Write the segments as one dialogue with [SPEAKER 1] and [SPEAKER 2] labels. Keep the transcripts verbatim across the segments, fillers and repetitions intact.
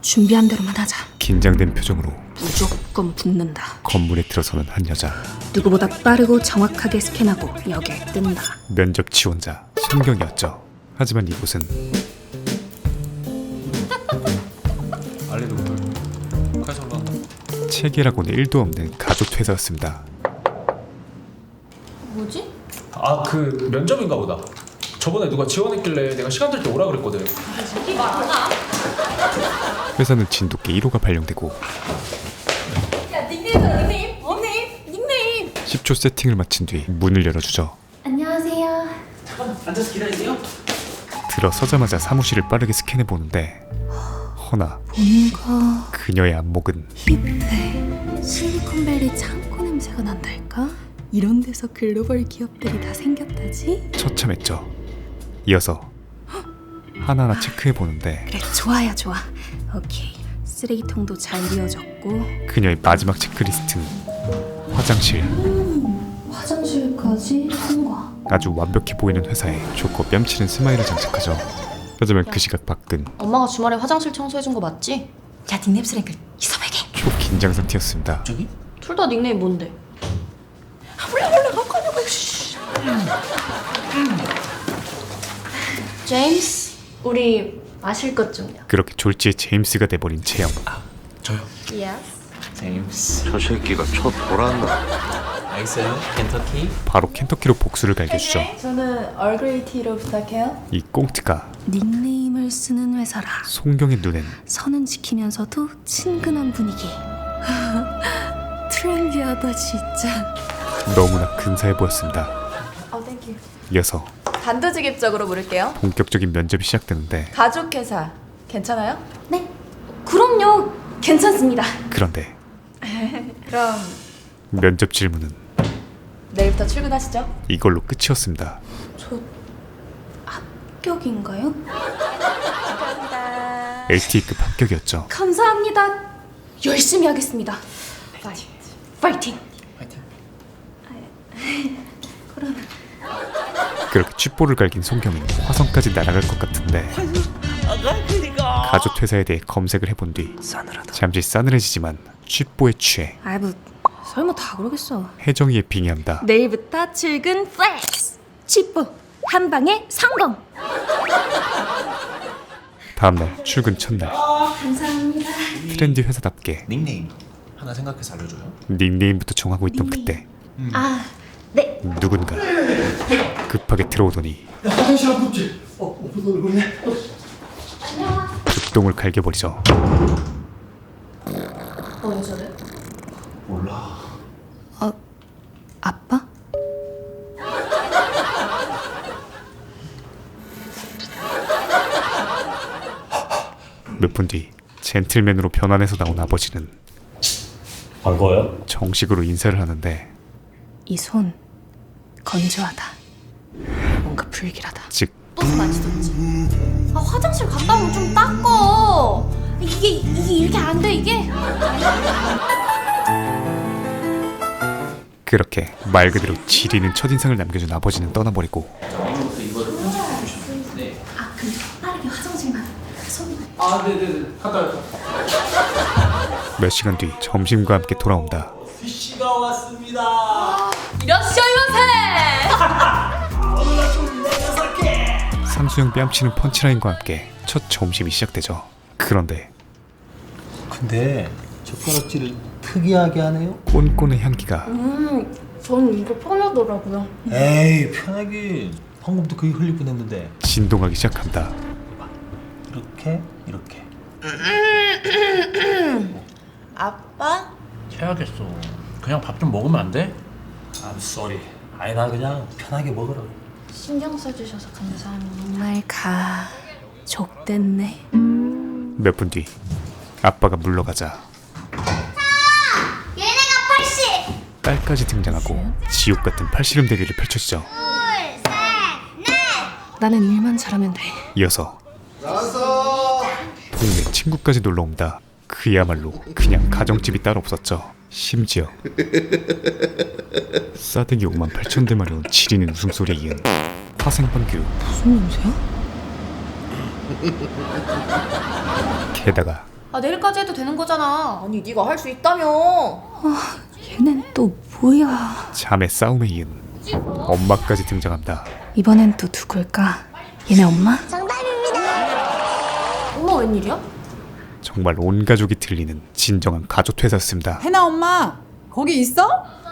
[SPEAKER 1] 준비한 대로만 하자.
[SPEAKER 2] 긴장된 표정으로
[SPEAKER 1] 무조건 붙는다.
[SPEAKER 2] 건물에 들어서는 한 여자.
[SPEAKER 1] 누구보다 빠르고 정확하게 스캔하고 역에 뜬다.
[SPEAKER 2] 면접 지원자 송경이었죠. 하지만 이곳은 체계라고는 일도 없는 가족 회사였습니다.
[SPEAKER 3] 뭐지?
[SPEAKER 4] 아, 그 면접인가 보다. 저번에 누가 지원했길래 내가 시간 될 때 오라 그랬거든.
[SPEAKER 3] 이게 많아?
[SPEAKER 2] 회사는 진돗개 일 호가 발령되고
[SPEAKER 3] 야, 닉네임, 닉네임, 닉네임, 닉네임.
[SPEAKER 2] 십 초 세팅을 마친 뒤 문을 열어주죠.
[SPEAKER 3] 안녕하세요.
[SPEAKER 4] 잠깐 앉아서 기다리세요.
[SPEAKER 2] 들어서자마자 사무실을 빠르게 스캔해보는데 허나
[SPEAKER 1] 뭔가
[SPEAKER 2] 그녀의 안목은
[SPEAKER 1] 힙해. 실리콘밸리 창고 냄새가 난달까? 이런 데서 글로벌 기업들이 다 생겼다지?
[SPEAKER 2] 처참했죠. 이어서 하나하나 체크해보는데
[SPEAKER 1] 그래, 좋아요, 좋아. 오케이. 쓰레기통도 잘 비워졌고.
[SPEAKER 2] 그녀의 마지막 체크리스트는 화장실.
[SPEAKER 1] 화장실까지 통과.
[SPEAKER 2] 아주 완벽해 보이는 회사에 좋고 뺨치는 스마일을 장착하죠. 하지만 그 시각 밖은
[SPEAKER 3] 엄마가 주말에 화장실 청소해준 거 맞지?
[SPEAKER 1] 야, 닉네임 쓰레기 이서백이.
[SPEAKER 2] 초긴장 상태였습니다.
[SPEAKER 4] 저기?
[SPEAKER 3] 둘 다 닉네임 뭔데?
[SPEAKER 1] 몰라 몰라 갖고 하냐고. 씨.
[SPEAKER 3] 제임스, 우리 마실 것 좀요.
[SPEAKER 2] 그렇게 졸지에 제임스가 돼버린 채영.
[SPEAKER 4] 저요.
[SPEAKER 3] Yes.
[SPEAKER 4] 제임스.
[SPEAKER 5] 저 새끼가 첫 보란다.
[SPEAKER 4] 알겠어요. 켄터키.
[SPEAKER 2] 바로 켄터키로 복수를 갈겨주죠.
[SPEAKER 3] 저는 얼그레이 티로 부탁해요.
[SPEAKER 2] 이 꽁트가
[SPEAKER 1] 닉네임을 쓰는 회사라.
[SPEAKER 2] 송경의 눈엔
[SPEAKER 1] 선은 지키면서도 친근한 분위기. 트렌디하다 진짜.
[SPEAKER 2] 너무나 근사해 보였습니다.
[SPEAKER 3] 어, 땡큐.
[SPEAKER 2] 이어서
[SPEAKER 3] 단도직입적으로 물을게요.
[SPEAKER 2] 본격적인 면접이 시작되는데
[SPEAKER 3] 가족회사 괜찮아요?
[SPEAKER 1] 네, 그럼요. 괜찮습니다.
[SPEAKER 2] 그런데
[SPEAKER 3] 그럼
[SPEAKER 2] 면접 질문은
[SPEAKER 3] 내일부터 출근하시죠.
[SPEAKER 2] 이걸로 끝이었습니다.
[SPEAKER 1] 저 합격인가요?
[SPEAKER 3] 감사합니다.
[SPEAKER 2] 엘티이급 합격이었죠.
[SPEAKER 1] 감사합니다. 열심히 하겠습니다.
[SPEAKER 3] 파이팅.
[SPEAKER 1] 파이팅.
[SPEAKER 4] 파이팅.
[SPEAKER 2] 그렇게 쥐뽀를 갈긴 송경은 화성까지 날아갈 것 같은데 가족 회사에 대해 검색을 해본 뒤 잠시 싸늘해지지만 쥐뽀에 취해
[SPEAKER 1] 아이 뭐 설마 다 그러겠어.
[SPEAKER 2] 혜정이에 빙의한다.
[SPEAKER 1] 내일부터 출근 플렉스. 치뽀 한 방에 성공.
[SPEAKER 2] 다음날 출근 첫날
[SPEAKER 1] 감사합니다.
[SPEAKER 2] 트렌디 회사답게
[SPEAKER 4] 닉네임 하나 생각해서 알려줘요.
[SPEAKER 2] 닉네임부터 정하고 있던 그때
[SPEAKER 1] 아, 네.
[SPEAKER 2] 누군가 급하게 들어오더니
[SPEAKER 5] 화장실 안 붙지? 어, 오픈 얼굴이네.
[SPEAKER 2] 급동을 갈겨버리죠.
[SPEAKER 3] 어, 왜 저래?
[SPEAKER 5] 몰라.
[SPEAKER 1] 어, 아빠?
[SPEAKER 2] 몇 분 뒤 젠틀맨으로 변환해서 나온 아버지는
[SPEAKER 6] 반가워요?
[SPEAKER 2] 정식으로 인사를 하는데
[SPEAKER 1] 이 손 건조하다. 뭔가 불길하다.
[SPEAKER 2] 즉
[SPEAKER 3] 또 만지던지. 아, 화장실 갔다 오면 좀 닦어. 이게 이게 이렇게 안 돼 이게.
[SPEAKER 2] 그렇게 말 그대로 지리는 첫인상을 남겨준 아버지는 떠나버리고
[SPEAKER 1] 아, 근데 빠르게 화장실만. 손.
[SPEAKER 4] 아, 네네네. 갔다 와요.
[SPEAKER 2] 몇 시간 뒤 점심과 함께 돌아온다.
[SPEAKER 4] 씨가 왔습니다.
[SPEAKER 3] 이러시오 이러세.
[SPEAKER 2] 삼수형 뺨치는 펀치라인과 함께 첫 점심이 시작되죠. 그런데
[SPEAKER 5] 근데 젓가락질을 특이하게 하네요.
[SPEAKER 2] 꼰꼰의 향기가
[SPEAKER 3] 음, 전 이거 편하더라고요.
[SPEAKER 5] 에이 편하게. 방금도 그게 흘릴 뻔했는데.
[SPEAKER 2] 진동하기 시작한다.
[SPEAKER 5] 이렇게 이렇게.
[SPEAKER 3] 아빠?
[SPEAKER 6] 해야겠어. 그냥 밥 좀 먹으면 안 돼?
[SPEAKER 5] I'm sorry. 아니 나 그냥 편하게 먹으라고.
[SPEAKER 3] 신경 써주셔서 감사합니다.
[SPEAKER 1] 정말 가. 족됐네.
[SPEAKER 2] 몇 분 뒤 아빠가 물러가자
[SPEAKER 7] 얘네가 팔십!
[SPEAKER 2] 딸까지 등장하고 지옥 같은 팔씨름 대결이 펼쳐지죠.
[SPEAKER 1] 나는 일만 잘하면 돼.
[SPEAKER 2] 이어서 동네 친구까지 놀러옵니다. 그야말로 그냥 가정집이 따로 없었죠. 심지어 싸대기 오만 팔천 대 마려운 지리는 웃음소리에 이은 화생방규.
[SPEAKER 1] 무슨 냄새야?
[SPEAKER 2] 게다가
[SPEAKER 3] 아 내일까지 해도 되는 거잖아.
[SPEAKER 8] 아니 네가 할 수 있다며.
[SPEAKER 1] 얘는 또 뭐야?
[SPEAKER 2] 자매 싸움에 이은 엄마까지 등장합니다.
[SPEAKER 1] 이번엔 또 누굴까? 얘네 엄마?
[SPEAKER 3] 엄마 웬일이야?
[SPEAKER 2] 정말 온 가족이 들리는 진정한 가족 퇴사였습니다.
[SPEAKER 9] 해나 엄마 거기 있어?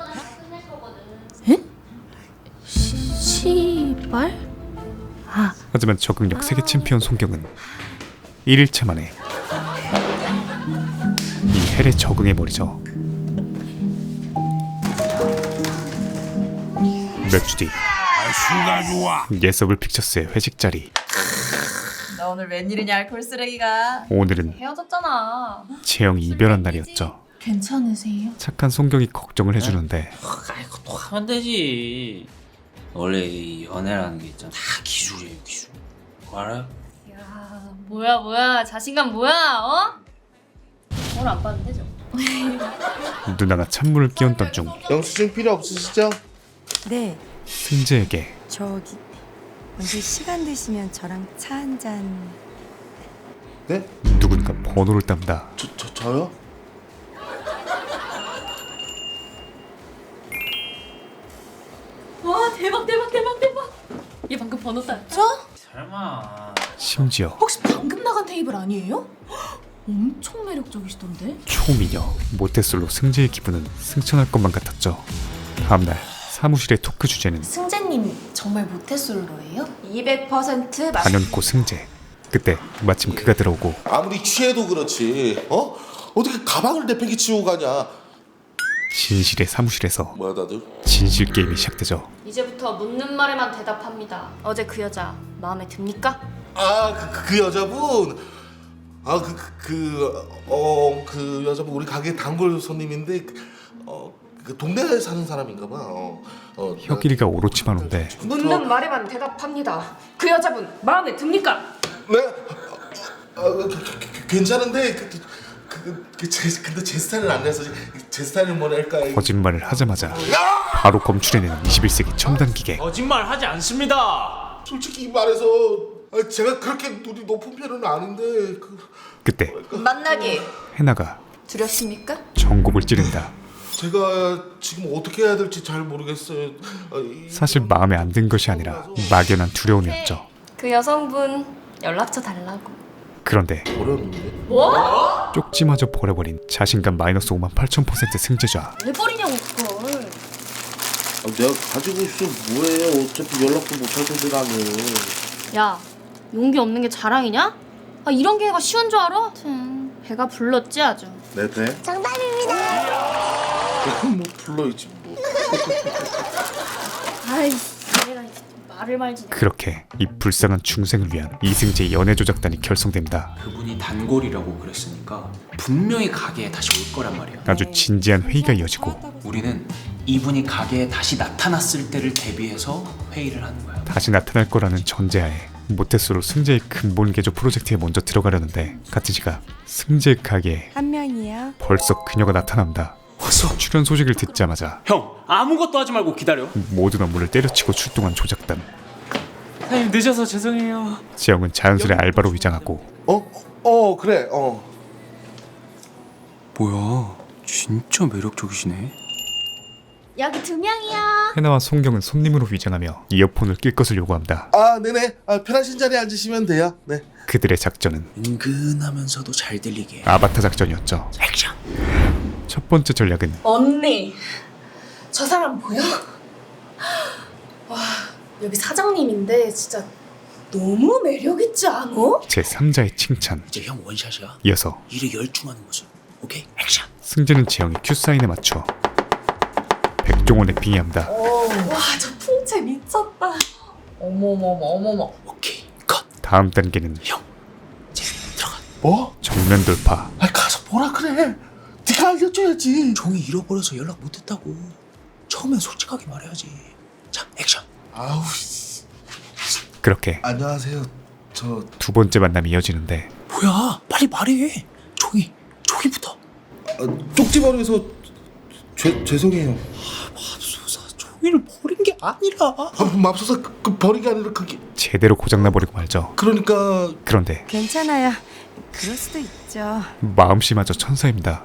[SPEAKER 1] 시발? 아,
[SPEAKER 2] 하지만 적응력 세계 챔피언 송경은 일 일차 만에 이 헬에 적응해버리죠. 몇 주 뒤 예서블 픽처스의 회식 자리.
[SPEAKER 8] 너 오늘 웬일이냐 알콜 쓰레기가.
[SPEAKER 2] 오늘은
[SPEAKER 3] 헤어졌잖아.
[SPEAKER 2] 재영이 이별한 날이었죠.
[SPEAKER 3] 괜찮으세요?
[SPEAKER 2] 착한 송경이 걱정을 해주는데
[SPEAKER 10] 아이고 또 하면 되지. 원래 이 연애라는 게 있잖아. 다 기술이에요 기술. 그거 알아요?
[SPEAKER 3] 야 뭐야 뭐야 자신감 뭐야 어? 오늘 안 봤는데 저.
[SPEAKER 2] 누나가 찬물을 끼얹던 중
[SPEAKER 11] 영수증 필요 없으시죠?
[SPEAKER 12] 네,
[SPEAKER 2] 승재에게
[SPEAKER 12] 저기 언제 시간 되시면 저랑 차 한 잔.
[SPEAKER 11] 네?
[SPEAKER 2] 누군가 번호를 딴다.
[SPEAKER 11] 저, 저, 저요?
[SPEAKER 3] 와 대박 대박 대박 대박. 얘 방금 번호 땄죠?
[SPEAKER 10] 설마.
[SPEAKER 2] 심지어
[SPEAKER 3] 혹시 방금 나간 테이블 아니에요? 엄청 매력적이시던데?
[SPEAKER 2] 초미녀 모태솔로 승재의 기분은 승천할 것만 같았죠. 다음날 사무실의 토크 주제는
[SPEAKER 3] 승재님 정말 모태솔로예요?
[SPEAKER 8] 이백 퍼센트 맞.
[SPEAKER 2] 단연코 승재. 그때 마침 그가 들어오고
[SPEAKER 11] 아무리 취해도 그렇지 어? 어떻게 가방을 내팽개치고 가냐.
[SPEAKER 2] 진실의 사무실에서
[SPEAKER 11] 뭐야 다들?
[SPEAKER 2] 진실 게임이 시작되죠.
[SPEAKER 3] 이제부터 묻는 말에만 대답합니다. 어제 그 여자 마음에 듭니까?
[SPEAKER 11] 아 그 그 여자분 아 그 그 어 그 여자분 우리 가게 단골 손님인데 어 그 동네에 사는 사람인가 봐. 어, 어
[SPEAKER 2] 혁일이가 오로치만 온데
[SPEAKER 8] 묻는 말에만 대답합니다. 그 여자분 마음에 듭니까?
[SPEAKER 11] 네? 아, 그, 그, 그, 괜찮은데 그, 그, 그, 제, 근데 제 스타일은 아니라서 제 스타일은 뭐랄까.
[SPEAKER 2] 거짓말을 하자마자 바로 검출해내는 이십일 세기 첨단 기계.
[SPEAKER 4] 거짓말 하지 않습니다.
[SPEAKER 11] 솔직히 말해서 아, 제가 그렇게 눈이 높은 편은 아닌데 그,
[SPEAKER 2] 그때
[SPEAKER 8] 만나기
[SPEAKER 2] 해나가
[SPEAKER 8] 두렵습니까?
[SPEAKER 2] 전곡을 찌른다.
[SPEAKER 11] 제가 지금 어떻게 해야 될지 잘 모르겠어요. 아, 이,
[SPEAKER 2] 사실 마음에 안 든 것이 아니라 막연한 두려움이었죠.
[SPEAKER 3] 그 여성분 연락처 달라고.
[SPEAKER 2] 그런데
[SPEAKER 11] 어려운데?
[SPEAKER 3] 뭐?
[SPEAKER 2] 쪽지마저 버려버린 자신감 마이너스 오만 팔천 퍼센트 승재자.
[SPEAKER 3] 왜 버리냐고 그걸.
[SPEAKER 11] 아, 내가 가지고 있으면 뭐해요. 어차피 연락도 못할 텐데라며.
[SPEAKER 3] 야 용기 없는 게 자랑이냐? 아 이런 기회가 쉬운 줄 알아? 하여튼 배가 불렀지 아주.
[SPEAKER 11] 내 배? 정답입니다. 뭐 불러있지 뭐.
[SPEAKER 3] 아이 내가 이제 말을 말지.
[SPEAKER 2] 그렇게 이 불쌍한 중생을 위한 이승재의 연애 조작단이 결성됩니다.
[SPEAKER 10] 그분이 단골이라고 그랬으니까 분명히 가게에 다시 올 거란 말이야.
[SPEAKER 2] 아주 진지한 회의가 이어지고
[SPEAKER 10] 우리는 이분이 가게에 다시 나타났을 때를 대비해서 회의를 하는 거야.
[SPEAKER 2] 다시 나타날 거라는 전제하에 모태솔로 승재의 근본 개조 프로젝트에 먼저 들어가려는데 같은 시각 승재 가게에
[SPEAKER 12] 한 명이요.
[SPEAKER 2] 벌써 그녀가 나타납니다.
[SPEAKER 10] 왔어.
[SPEAKER 2] 출연 소식을 듣자마자
[SPEAKER 10] 형 아무것도 하지 말고 기다려.
[SPEAKER 2] 모든 업무를 때려치고 출동한 조작단.
[SPEAKER 10] 사장님 늦어서 죄송해요.
[SPEAKER 2] 지영은 자연스레 알바로 위장하고
[SPEAKER 11] 어? 어 그래 어.
[SPEAKER 10] 뭐야 진짜 매력적이시네.
[SPEAKER 3] 여기 두 명이야.
[SPEAKER 2] 해나와 송경은 손님으로 위장하며 이어폰을 낄 것을 요구합니다.
[SPEAKER 11] 아 네네 아, 편하신 자리에 앉으시면 돼요. 네.
[SPEAKER 2] 그들의 작전은
[SPEAKER 10] 은근하면서도 잘 들리게
[SPEAKER 2] 아바타 작전이었죠.
[SPEAKER 10] 액션.
[SPEAKER 2] 첫 번째 전략은
[SPEAKER 3] 언니 저 사람 보여? 와 여기 사장님인데 진짜 너무 매력있지 않아?
[SPEAKER 2] 제삼자의 칭찬.
[SPEAKER 10] 이제 형 원샷이야.
[SPEAKER 2] 이어서
[SPEAKER 10] 일에 열중하는 모습. 오케이 액션.
[SPEAKER 2] 승재는 재영이 큐사인에 맞춰 백종원에 빙의합니다.
[SPEAKER 3] 와 저 풍채 미쳤다.
[SPEAKER 8] 어머머머 어머머.
[SPEAKER 10] 오케이 컷.
[SPEAKER 2] 다음 단계는
[SPEAKER 10] 형 이제 들어가.
[SPEAKER 11] 뭐?
[SPEAKER 2] 정면 돌파.
[SPEAKER 11] 아 가서 뭐라 그래. 네가 알려줘야지.
[SPEAKER 10] 종이 잃어버려서 연락 못했다고. 처음엔 솔직하게 말해야지. 자 액션.
[SPEAKER 11] 아우 씨.
[SPEAKER 2] 그렇게
[SPEAKER 11] 안녕하세요. 저
[SPEAKER 2] 두 번째 만남이 이어지는데
[SPEAKER 10] 뭐야 빨리 말해. 종이 종이부터.
[SPEAKER 11] 아, 쪽지머리에서 죄 죄송해요.
[SPEAKER 10] 맙소사 종이를 버린 게 아니라.
[SPEAKER 11] 아, 맙소사 그, 그 버린 게 아니라 그게
[SPEAKER 2] 제대로 고장나버리고 말죠.
[SPEAKER 11] 그러니까
[SPEAKER 2] 그런데
[SPEAKER 12] 괜찮아요. 그럴 수도 있죠.
[SPEAKER 2] 마음씨마저 천사입니다.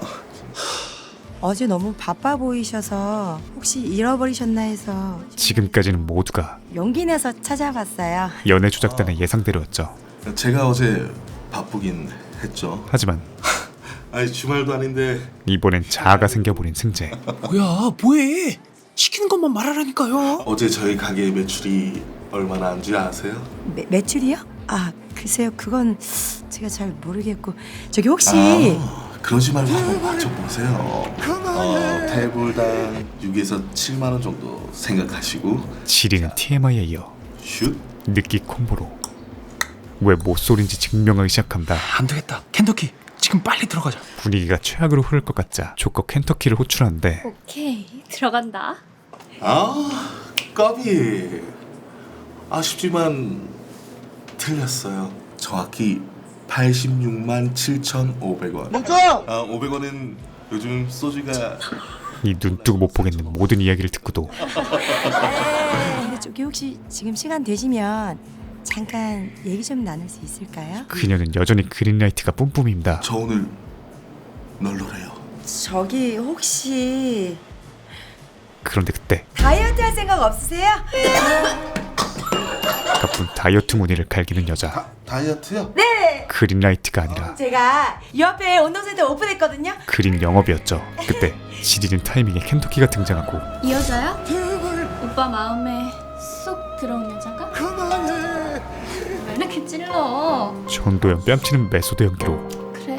[SPEAKER 12] 어제 너무 바빠 보이셔서 혹시 잃어버리셨나 해서
[SPEAKER 2] 지금까지는 모두가
[SPEAKER 12] 용기 내서 찾아봤어요.
[SPEAKER 2] 연애 조작단의 예상대로였죠.
[SPEAKER 11] 제가 어제 바쁘긴 했죠.
[SPEAKER 2] 하지만
[SPEAKER 11] 아니 주말도 아닌데
[SPEAKER 2] 이번엔 자아가 생겨버린 승재.
[SPEAKER 4] 뭐야 뭐해? 시키는 것만 말하라니까요.
[SPEAKER 11] 어제 저희 가게 매출이 얼마나 안 줄 아세요?
[SPEAKER 12] 매, 매출이요? 아 글쎄요 그건 제가 잘 모르겠고 저기 혹시
[SPEAKER 11] 아, 그러지 말고 한번 맞춰보세요. 어, 테이블당 육에서 칠만 원 정도 생각하시고
[SPEAKER 2] 지리는 티엠아이에 이어
[SPEAKER 11] 슛.
[SPEAKER 2] 느끼 콤보로 왜 못소린지 증명하기 시작합니다.
[SPEAKER 4] 안 되겠다. 켄터키 지금 빨리 들어가자.
[SPEAKER 2] 분위기가 최악으로 흐를 것 같자 조커 켄터키를 호출하는데
[SPEAKER 3] 오케이 들어간다.
[SPEAKER 11] 아 까비. 아쉽지만 틀렸어요. 정확히 팔십육만 칠천오백 원. 멈춰! 아 오백 원은 요즘 소주가
[SPEAKER 2] 이 눈뜨고 못 보겠는 모든 이야기를 듣고도
[SPEAKER 12] 네, 저기 혹시 지금 시간 되시면 잠깐 얘기 좀 나눌 수 있을까요?
[SPEAKER 2] 그녀는 여전히 그린라이트가 뿜뿜입니다.
[SPEAKER 11] 저 오늘 널널해요.
[SPEAKER 12] 저기 혹시
[SPEAKER 2] 그런데 그때
[SPEAKER 12] 다이어트 할 생각 없으세요?
[SPEAKER 2] 가쁜 다이어트 무늬를 갈기는 여자.
[SPEAKER 11] 다, 다이어트요?
[SPEAKER 12] 네!
[SPEAKER 2] 그린라이트가 아니라
[SPEAKER 12] 제가 이 옆에 운동센터 오픈했거든요.
[SPEAKER 2] 그린 영업이었죠. 그때 지리는 타이밍에 켄터키가 등장하고
[SPEAKER 3] 이 여자야? 오빠 마음에 쏙 들어온 여자가? 그만해. 왜 이렇게 찔러?
[SPEAKER 2] 전도연 뺨치는 메소드 연기로
[SPEAKER 3] 그래.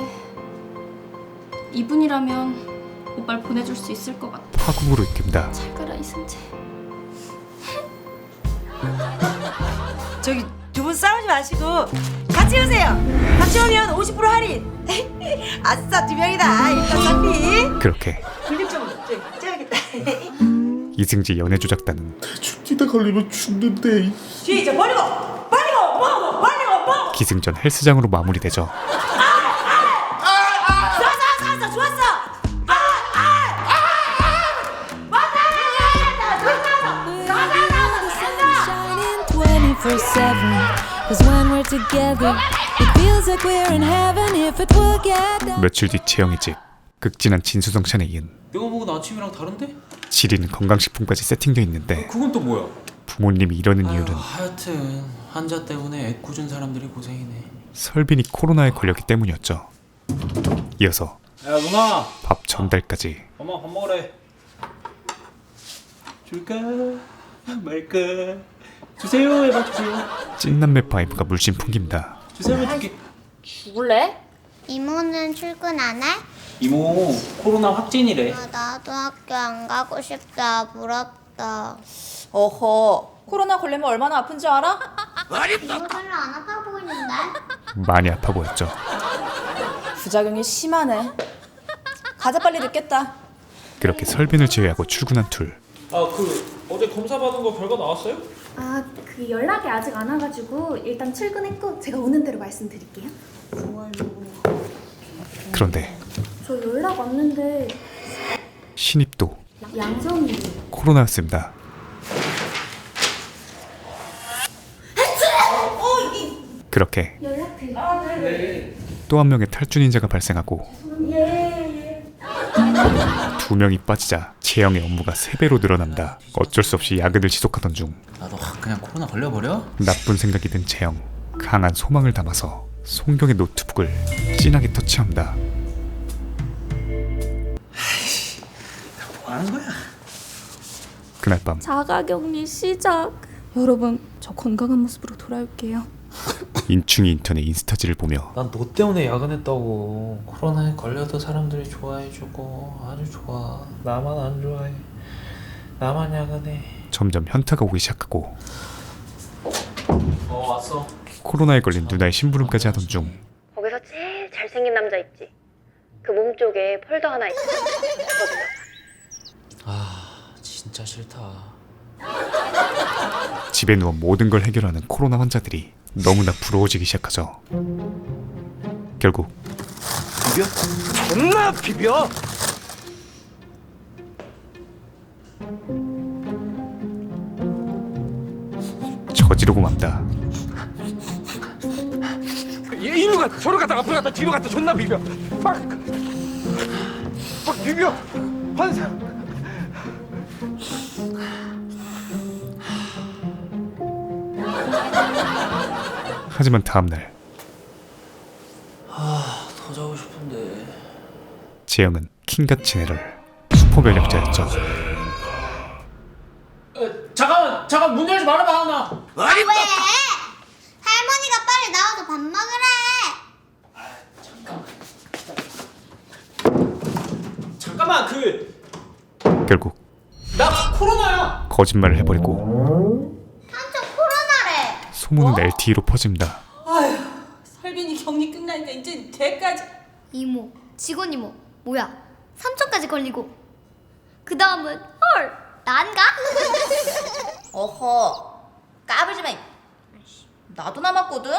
[SPEAKER 3] 이분이라면 오빠를 보내줄 수 있을 것 같아.
[SPEAKER 2] 파국으로 이끕니다.
[SPEAKER 3] 잘 가라 이승재.
[SPEAKER 12] 저기 두 분 싸우지 마시고 같이 오세요. 같이 오면 오십 퍼센트 할인. 아싸 두 명이다. 일단 상비.
[SPEAKER 2] 그렇게
[SPEAKER 12] 분립 좀 쪄야겠다.
[SPEAKER 2] 이승지 연애 조작단은
[SPEAKER 11] 죽기다 걸리면 죽는데.
[SPEAKER 12] 뒤에 저 버리고 버리고 뭐 버리고 뭐.
[SPEAKER 2] 기승전 헬스장으로 마무리되죠.
[SPEAKER 12] 좋았어 좋았어 좋았어.
[SPEAKER 1] twenty-four seven Cause when we're together It feels like we're in heaven If it will get done
[SPEAKER 2] 며칠 뒤 재영의 집. 극진한 진수성찬에 이은
[SPEAKER 10] 내가 먹은 아침이랑 다른데?
[SPEAKER 2] 지리는 건강식품까지 세팅돼 있는데
[SPEAKER 4] 그건 또 뭐야?
[SPEAKER 2] 부모님이 이러는 이유는
[SPEAKER 10] 아유, 하여튼 환자 때문에 애꿎은 사람들이 고생이네.
[SPEAKER 2] 설빈이 코로나에 걸렸기 때문이었죠. 이어서
[SPEAKER 10] 야 누나,
[SPEAKER 2] 밥 전달까지.
[SPEAKER 10] 엄마 밥 먹으래. 줄까 말까? 주세요 해봐 주세요.
[SPEAKER 2] 찐남매 바이브가 물씬 풍깁니다.
[SPEAKER 10] 주세요 해줄게.
[SPEAKER 3] 죽을래?
[SPEAKER 7] 이모는 출근 안 해?
[SPEAKER 10] 이모 코로나 확진이래.
[SPEAKER 7] 아, 나도 학교 안 가고 싶다. 부럽다.
[SPEAKER 9] 어허, 코로나 걸리면 얼마나 아픈지 알아?
[SPEAKER 7] 이모 별로 안 아파 보이는데?
[SPEAKER 2] 많이 아파 보였죠.
[SPEAKER 9] 부작용이 심하네. 가자 빨리 늦겠다.
[SPEAKER 2] 그렇게 설빈을 제외하고 출근한 둘.
[SPEAKER 4] 아 그 어제 검사 받은 거 결과 나왔어요?
[SPEAKER 3] 아, 그 연락이 아직 안 와가지고 일단 출근했고 제가 오는 대로 말씀드릴게요.
[SPEAKER 2] 그런데
[SPEAKER 3] 저 연락 왔는데
[SPEAKER 2] 신입도
[SPEAKER 3] 양성이
[SPEAKER 2] 코로나였습니다. 그렇게
[SPEAKER 3] 연락드릴게요.
[SPEAKER 2] 또 한 명의 탈주닌자가 발생하고 두 명이 빠지자 재영의 업무가 세 배로 늘어난다. 어쩔 수 없이 야근을 지속하던 중
[SPEAKER 10] 나도 확 그냥 코로나 걸려버려?
[SPEAKER 2] 나쁜 생각이 든 재영. 강한 소망을 담아서 송경의 노트북을 진하게 터치합니다.
[SPEAKER 10] 뭐 하는 거야?
[SPEAKER 2] 그날 밤
[SPEAKER 3] 자가격리 시작. 여러분, 저 건강한 모습으로 돌아올게요.
[SPEAKER 2] 인충이 인턴의 인스타지를 보며
[SPEAKER 4] 난 너 때문에 야근했다고.
[SPEAKER 10] 코로나에 걸려도 사람들이 좋아해주고 아주 좋아.
[SPEAKER 4] 나만 안 좋아해. 나만 야근해.
[SPEAKER 2] 점점 현타가 오기 시작하고
[SPEAKER 10] 어 왔어.
[SPEAKER 2] 코로나에 걸린 누나의 심부름까지 하던 중
[SPEAKER 13] 거기서 제일 잘생긴 남자 있지? 그 몸 쪽에 폴더 하나 있거든.
[SPEAKER 10] 아 진짜 싫다.
[SPEAKER 2] 집에 누워 모든 걸 해결하는 코로나 환자들이 너무나 부러워지기 시작하죠. 결국
[SPEAKER 5] 비벼? 존나 비벼!
[SPEAKER 2] 저지르고 맙니다.
[SPEAKER 4] 얘 이리 와.
[SPEAKER 14] 갔다 저로 갔다 앞으로 갔다 뒤로 갔다 존나 비벼. 막, 막 비벼. 환상.
[SPEAKER 2] 하지만 다음날
[SPEAKER 10] 아, 더 자고 싶은데.
[SPEAKER 2] 재영은 킹갓 제네럴 슈퍼면역자였죠.
[SPEAKER 10] 어, 잠깐만, 잠깐 문 열지 말아봐, 나.
[SPEAKER 7] 아니 왜? 할머니가 빨리 나와서 밥 먹으래.
[SPEAKER 10] 잠깐만, 그
[SPEAKER 2] 결국
[SPEAKER 10] 나 코로나야.
[SPEAKER 2] 거짓말을 해버리고
[SPEAKER 7] 삼촌 코로나래.
[SPEAKER 2] 소문은 엘티이로 퍼집니다.
[SPEAKER 12] 아휴, 설빈이 격리 끝나니까 이제 걔까지.
[SPEAKER 13] 이모, 직원 이모, 뭐야? 삼촌까지 걸리고. 그 다음은 헐, 난가?
[SPEAKER 9] 어허, 까불지 마. 나도 남았거든.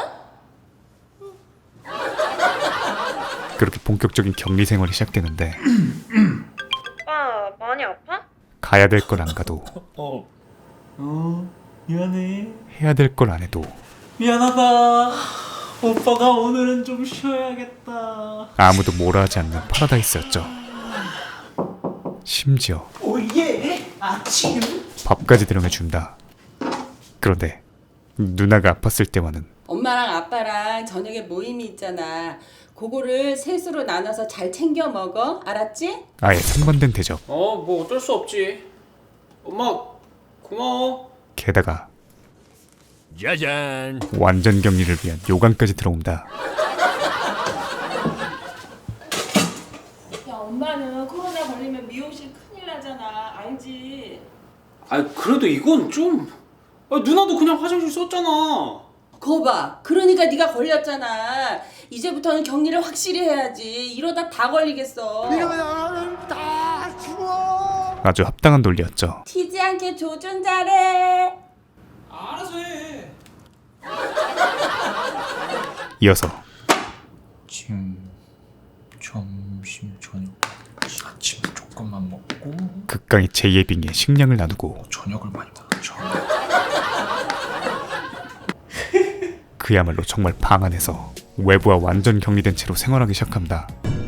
[SPEAKER 2] 그렇게 본격적인 격리 생활이 시작되는데
[SPEAKER 13] 오빠 많이 아파?
[SPEAKER 2] 가야 될 걸 안 가도
[SPEAKER 6] 어, 어, 미안해.
[SPEAKER 2] 해야 될 걸 안 해도
[SPEAKER 6] 미안하다. 오빠가 오늘은 좀 쉬어야겠다.
[SPEAKER 2] 아무도 뭐라 하지 않는 파라다이스였죠. 심지어
[SPEAKER 6] 오예, 아침.
[SPEAKER 2] 밥까지 대령해준다. 그런데 누나가 아팠을 때와는
[SPEAKER 12] 엄마랑 아빠랑 저녁에 모임이 있잖아. 그거를 셋으로 나눠서 잘 챙겨 먹어. 알았지?
[SPEAKER 2] 아예 상반된 대접.
[SPEAKER 10] 어, 뭐 어쩔 수 없지. 엄마, 고마워.
[SPEAKER 2] 게다가
[SPEAKER 14] 짜잔.
[SPEAKER 2] 완전 격리를 위한 요강까지 들어온다.
[SPEAKER 12] 야, 엄마는 코로나 걸리면 미용실 큰일 나잖아. 알지?
[SPEAKER 10] 아, 그래도 이건 좀. 아, 누나도 그냥 화장실 썼잖아.
[SPEAKER 12] 거 봐. 그러니까 네가 걸렸잖아. 이제부터는 격리를 확실히 해야지. 이러다 다 걸리겠어.
[SPEAKER 14] 이러면 다 죽어.
[SPEAKER 2] 아주 합당한 논리였죠.
[SPEAKER 12] 튀지 않게 조준 잘해.
[SPEAKER 10] 알아서 해.
[SPEAKER 2] 이어서
[SPEAKER 5] 지금 점심 저녁 아침 조금만 먹고
[SPEAKER 2] 극강의 제이에빙에 식량을 나누고
[SPEAKER 5] 저녁을 많이 먹죠.
[SPEAKER 2] 그야말로 정말 방 안에서 외부와 완전 격리된 채로 생활하기 시작합니다.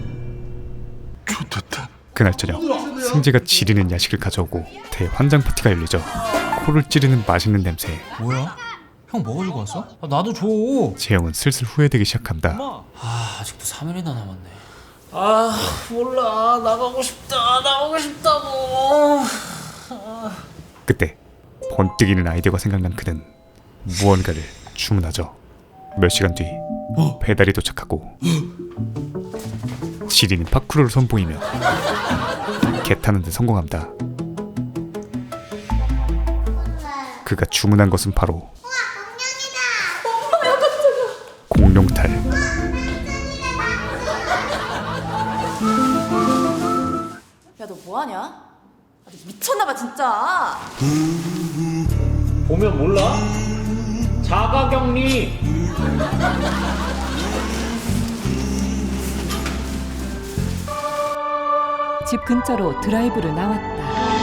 [SPEAKER 11] 좋다.
[SPEAKER 2] 그날 저녁 승재가 지리는 야식을 가져오고 대환장 파티가 열리죠. 코를 찌르는 맛있는 냄새에
[SPEAKER 5] 뭐야? 형 뭐 가지고 왔어? 아, 나도 줘.
[SPEAKER 2] 재영은 슬슬 후회되기 시작합니다.
[SPEAKER 10] 아, 아직도 삼 일이나 남았네. 아, 몰라. 나가고 싶다. 나가고 싶다고.
[SPEAKER 2] 그때 번뜩이는 아이디어가 생각난 그는 무언가를 주문하죠. 몇 시간 뒤 배달이 도착하고 지리는 파쿠르를 선보이며 개 타는 데 성공합니다. 그가 주문한 것은 바로 공룡탈.
[SPEAKER 9] 야, 너 뭐하냐? 아, 너 미쳤나봐 진짜.
[SPEAKER 6] 보면 몰라? 자가격리.
[SPEAKER 15] 집 근처로 드라이브를 나왔다.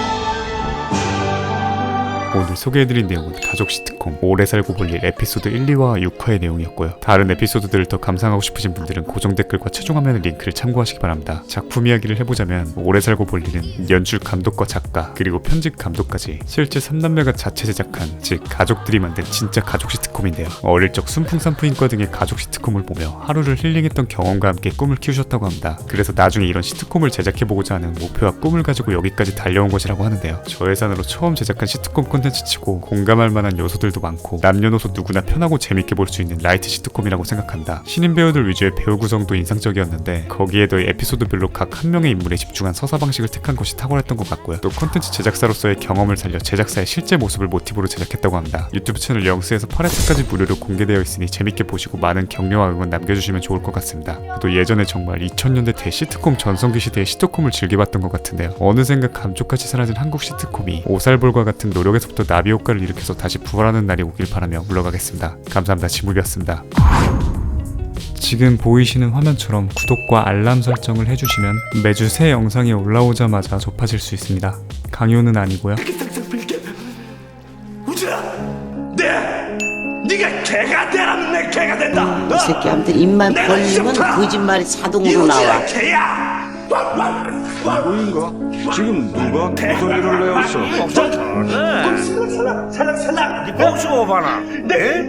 [SPEAKER 2] 오늘 소개해드린 내용은 가족 시트콤 오래 살고 볼 일 에피소드 일, 이와 육 화의 내용이었고요. 다른 에피소드들을 더 감상하고 싶으신 분들은 고정 댓글과 최종 화면 링크를 참고하시기 바랍니다. 작품 이야기를 해보자면 오래 살고 볼 일은 연출 감독과 작가 그리고 편집 감독까지 실제 삼남매가 자체 제작한, 즉 가족들이 만든 진짜 가족 시트콤인데요. 어릴 적 순풍산부인과 등의 가족 시트콤을 보며 하루를 힐링했던 경험과 함께 꿈을 키우셨다고 합니다. 그래서 나중에 이런 시트콤을 제작해보고자 하는 목표와 꿈을 가지고 여기까지 달려온 것이라고 하는데요. 저 예산으로 처음 제작한 시트콤 콘텐츠 치고 공감할 만한 요소들도 많고 남녀노소 누구나 편하고 재밌게 볼 수 있는 라이트 시트콤이라고 생각한다. 신인 배우들 위주의 배우 구성도 인상적이었는데 거기에 더해 에피소드별로 각 한 명의 인물에 집중한 서사 방식을 택한 것이 탁월했던 것 같고요. 또 콘텐츠 제작사로서의 경험을 살려 제작사의 실제 모습을 모티브로 제작했다고 합니다. 유튜브 채널 영스에서 팔 회차까지 무료로 공개되어 있으니 재밌게 보시고 많은 격려와 응원 남겨주시면 좋을 것 같습니다. 또 예전에 정말 이천 년대 대시트콤 전성기 시대의 시트콤을 즐겨봤던 것 같은데요. 어느샌가 감쪽같이 사라진 한국 시트콤이 오살볼과 같은 노력에서부터 나비 효과를 일으켜서 다시 부활하는 날이 오길 바라며 물러가겠습니다. 감사합니다. 지물이었습니다. 지금 보이시는 화면처럼 구독과 알람 설정을 해주시면 매주 새 영상이 올라오자마자 접하실 수 있습니다. 강요는 아니고요.
[SPEAKER 14] 우진아, 네, 네가 개가 되라는 내 개. 개가 된다.
[SPEAKER 16] 이 새끼한테 입만 벌리면 거짓말이 자동으로 나와.
[SPEAKER 14] 개야.
[SPEAKER 17] 누구인가? 지금 누가 무더기를 내었어?
[SPEAKER 14] 살랑살랑 살랑살랑 네 뽕수고 봐라. 네?